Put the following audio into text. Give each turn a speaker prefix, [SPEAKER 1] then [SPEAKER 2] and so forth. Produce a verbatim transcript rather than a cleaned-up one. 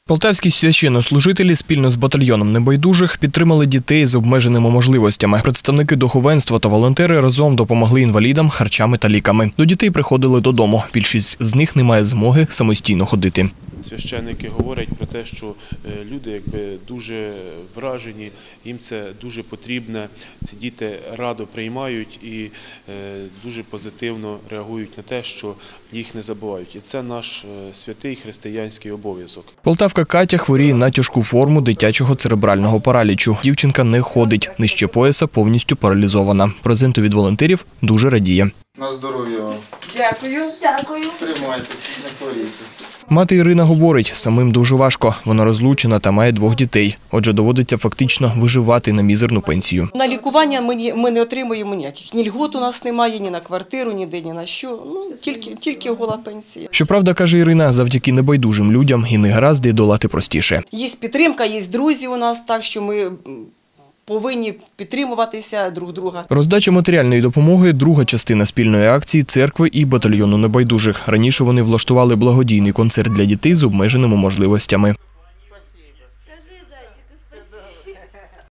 [SPEAKER 1] Полтавські священнослужителі спільно з батальйоном небайдужих підтримали дітей з обмеженими можливостями. Представники духовенства та волонтери разом допомогли інвалідам харчами та ліками. До дітей приходили додому. Більшість з них не має змоги самостійно ходити.
[SPEAKER 2] Священники говорять про те, що люди якби дуже вражені, їм це дуже потрібно, ці діти радо приймають і дуже позитивно реагують на те, що їх не забувають. І це наш святий християнський обов'язок.
[SPEAKER 1] Полтавка Катя хворіє на тяжку форму дитячого церебрального паралічу. Дівчинка не ходить, нижче пояса повністю паралізована. Презенту від волонтерів дуже радіє.
[SPEAKER 3] На здоров'я вам.
[SPEAKER 4] Дякую, дякую.
[SPEAKER 3] Тримайтеся, не хворійте.
[SPEAKER 1] Мати Ірина говорить, самим дуже важко. Вона розлучена та має двох дітей. Отже, доводиться фактично виживати на мізерну пенсію.
[SPEAKER 4] На лікування ми, ми не отримуємо ніяких. Ні льгот у нас немає, ні на квартиру, ніде, ні на що. Ну, тільки, тільки гола пенсія.
[SPEAKER 1] Щоправда, каже Ірина, завдяки небайдужим людям і негаразди долати простіше.
[SPEAKER 4] Є підтримка, є друзі у нас, так що ми повинні підтримуватися друг друга.
[SPEAKER 1] Роздача матеріальної допомоги – друга частина спільної акції церкви і батальйону небайдужих. Раніше вони влаштували благодійний концерт для дітей з обмеженими можливостями.